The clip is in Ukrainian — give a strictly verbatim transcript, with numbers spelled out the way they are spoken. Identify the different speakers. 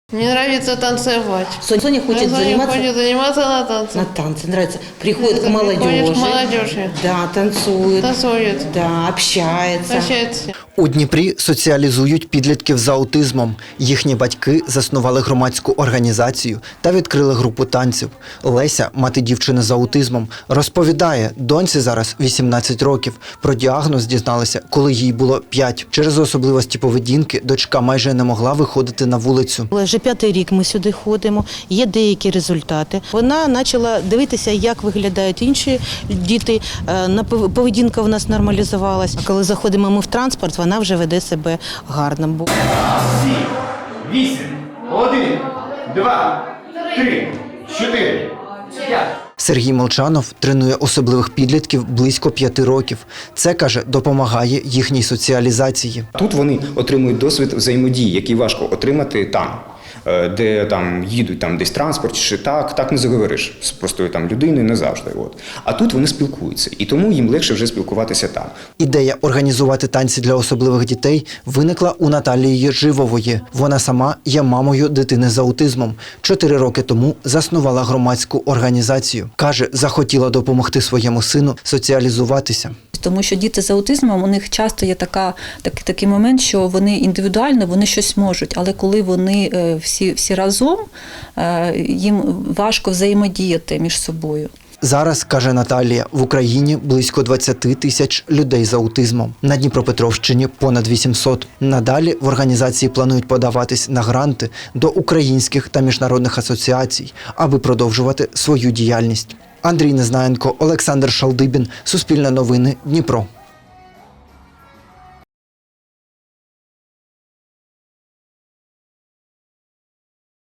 Speaker 1: Мне нравится танцевать.
Speaker 2: Соня хочет
Speaker 1: Соня
Speaker 2: заниматься,
Speaker 1: хочет заниматься на танцах.
Speaker 2: на танцы, нравится. Приходит к
Speaker 1: Приходит
Speaker 2: молодежи,
Speaker 1: к молодежи.
Speaker 2: да, танцует,
Speaker 1: Танцует.
Speaker 2: да, общается.
Speaker 1: Общается.
Speaker 3: У Дніпрі соціалізують підлітків з аутизмом. Їхні батьки заснували громадську організацію та відкрили групу танців. Леся, мати дівчини з аутизмом, розповідає, доньці зараз вісімнадцять років. Про діагноз дізналися, коли їй було п'ять. Через особливості поведінки дочка майже не могла виходити на вулицю.
Speaker 4: Вже п'ятий рік ми сюди ходимо, є деякі результати. Вона почала дивитися, як виглядають інші діти, на поведінка в нас нормалізувалась. Коли заходимо ми в транспорт, вона вже веде себе гарно.
Speaker 5: Сім, вісім, один, два, три, чотири, п'ять.
Speaker 3: Сергій Молчанов тренує особливих підлітків близько п'яти років. Це, каже, допомагає їхній соціалізації.
Speaker 6: Тут вони отримують досвід взаємодії, який важко отримати там, де там їдуть там десь транспорт, чи так, так не заговориш з простою там людиною, не завжди. От. А тут вони спілкуються, і тому їм легше вже спілкуватися там.
Speaker 3: Ідея організувати танці для особливих дітей виникла у Наталії Єживової. Вона сама є мамою дитини з аутизмом. Чотири роки тому заснувала громадську організацію. Каже, захотіла допомогти своєму сину соціалізуватися.
Speaker 7: Тому що діти з аутизмом, у них часто є така, так, такий момент, що вони індивідуально, вони щось можуть, але коли вони всі, всі разом, їм важко взаємодіяти між собою.
Speaker 3: Зараз, каже Наталія, в Україні близько двадцять тисяч людей з аутизмом. На Дніпропетровщині понад вісімсот. Надалі в організації планують подаватись на гранти до українських та міжнародних асоціацій, аби продовжувати свою діяльність. Андрій Незнаєнко, Олександр Шалдибін, Суспільне новини, Дніпро.